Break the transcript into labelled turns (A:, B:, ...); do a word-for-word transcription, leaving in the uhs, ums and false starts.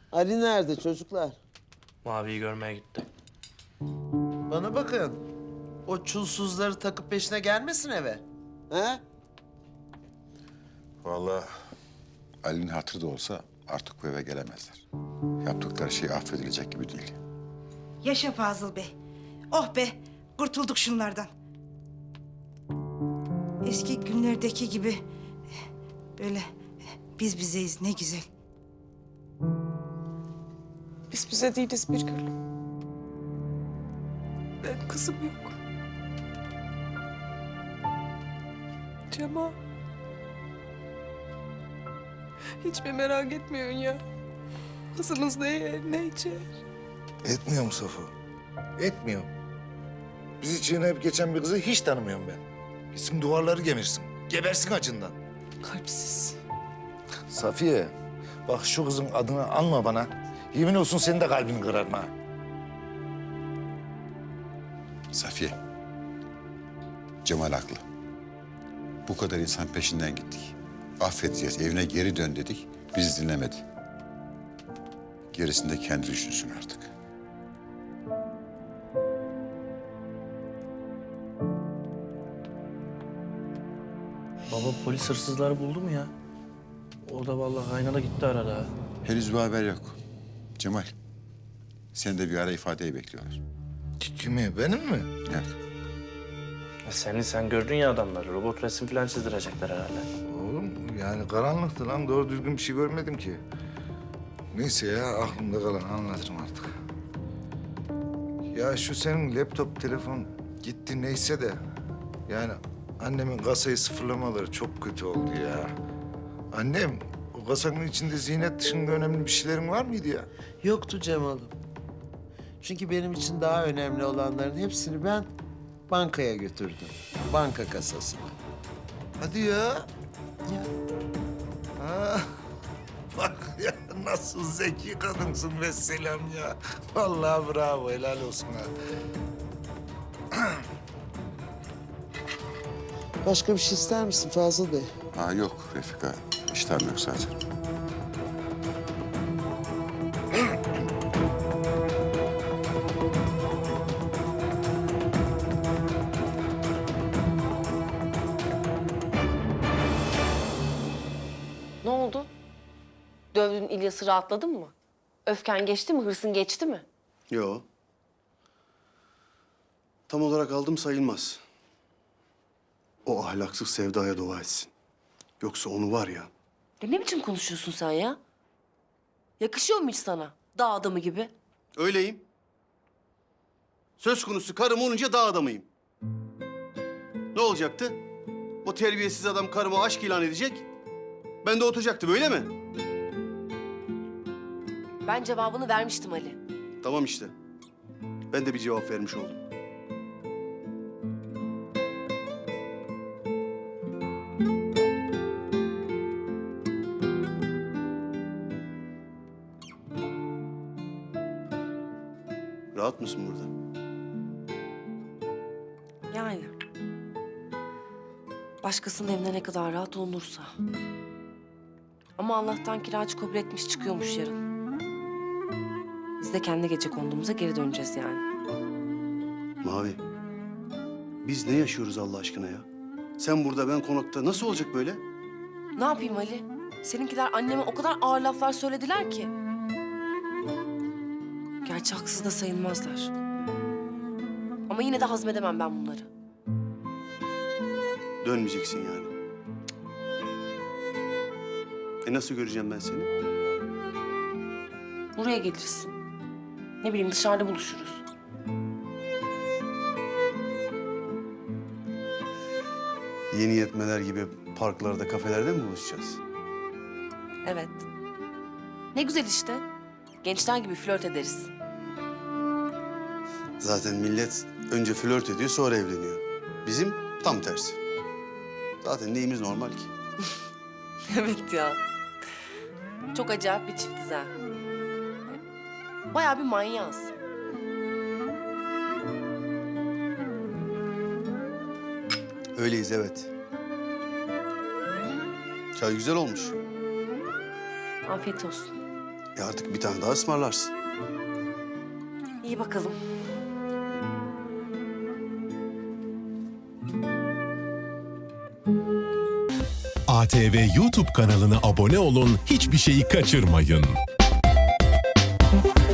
A: Ali nerede çocuklar?
B: Mavi'yi görmeye gitti.
A: Bana bakın. O çulsuzları takıp peşine gelmesin eve. He?
C: Vallahi Ali'nin hatırı da olsa artık bu eve gelemezler. Yaptıkları şey affedilecek gibi değil.
D: Yaşa Fazıl Bey. Oh be, kurtulduk şunlardan. Eski günlerdeki gibi böyle biz bizeyiz, ne güzel.
E: Biz bize değiliz bir gül. Benim kızım yok. Cemal. Hiç mi merak etmiyorsun ya? Kızımız ne yer, ne içer?
F: Etmiyorum Safo. Etmiyorum. Bizi çiğneyip geçen bir kızı hiç tanımıyorum ben. Gitsin duvarları gemirsin. Gebersin acından.
E: Kalpsiz.
F: Safiye, bak şu kızın adını anma bana. Yemin olsun senin de kalbini kırarım ha.
C: Safiye, Cemal haklı. Bu kadar insan peşinden gittik. Affedeceğiz, evine geri dön dedik. Bizi dinlemedi. Gerisini de kendi düşünsün artık.
B: Baba polis hırsızları buldu mu ya? O da vallahi kaynana gitti arada.
C: Henüz bir haber yok. Cemal, seni de bir ara ifadeye bekliyorlar.
F: Kimi, benim mi?
C: Evet.
B: Ya seni sen gördün ya adamları. Robot resim falan çizdirecekler herhalde.
F: Oğlum yani karanlıktı lan. Doğru düzgün bir şey görmedim ki. Neyse ya, aklımda kalan anlatırım artık. Ya şu senin laptop, telefon gitti neyse de... yani annemin kasayı sıfırlamaları çok kötü oldu ya. Annem, o kasanın içinde ziynet dışında önemli bir şeylerin var mıydı ya?
A: Yoktu Cemal'ım. Çünkü benim için daha önemli olanların hepsini ben bankaya götürdüm. Banka kasasına.
F: Hadi ya.
A: Ya.
F: Ha. Bak ya, nasıl zeki kadınsın ve selam ya. Vallahi bravo, helal olsun ha.
A: Başka bir şey ister misin Fazıl Bey?
C: Ha yok Refika, iştahım yok zaten.
G: Ne oldu? Dövdüğün İlyas'ı rahatladın mı? Öfken geçti mi? Hırsın geçti mi?
H: Yo. Tam olarak aldım sayılmaz. O ahlaksız Sevda'ya dua etsin. Yoksa onu var ya...
G: Ya ne biçim konuşuyorsun sen ya? Yakışıyor mu hiç sana? Dağ adamı gibi.
H: Öyleyim. Söz konusu karım olunca dağ adamıyım. Ne olacaktı? O terbiyesiz adam karıma aşk ilan edecek. Ben de oturacaktım, öyle mi?
G: Ben cevabını vermiştim Ali.
H: Tamam işte. Ben de bir cevap vermiş oldum. Rahat mısın burada?
G: Yani. Başkasının evinde ne kadar rahat olunursa. Ama Allah'tan kiracı kabul etmiş çıkıyormuş yarın. Biz de kendi gece konduğumuza geri döneceğiz yani.
H: Mavi, biz ne yaşıyoruz Allah aşkına ya? Sen burada, ben konakta. Nasıl olacak böyle?
G: Ne yapayım Ali? Seninkiler anneme o kadar ağır laflar söylediler ki. Gerçi haksız da sayılmazlar. Ama yine de hazmedemem ben bunları.
H: Dönmeyeceksin yani. E nasıl göreceğim ben seni?
G: Buraya gelirsin. Ne bileyim dışarıda buluşuruz.
H: Yeni yetmeler gibi parklarda, kafelerde mi buluşacağız?
G: Evet. Ne güzel işte. Gençler gibi flört ederiz.
H: Zaten millet önce flört ediyor, sonra evleniyor. Bizim tam tersi. Zaten neyimiz normal ki?
G: Evet ya. Çok acayip bir çiftiz ha. Bayağı bir manyağız.
H: Öyleyiz, evet. Çay güzel olmuş.
G: Afiyet olsun.
H: Ya artık bir tane daha ısmarlarsın.
G: İyi bakalım.
I: A T V YouTube kanalına abone olun, hiçbir şeyi kaçırmayın.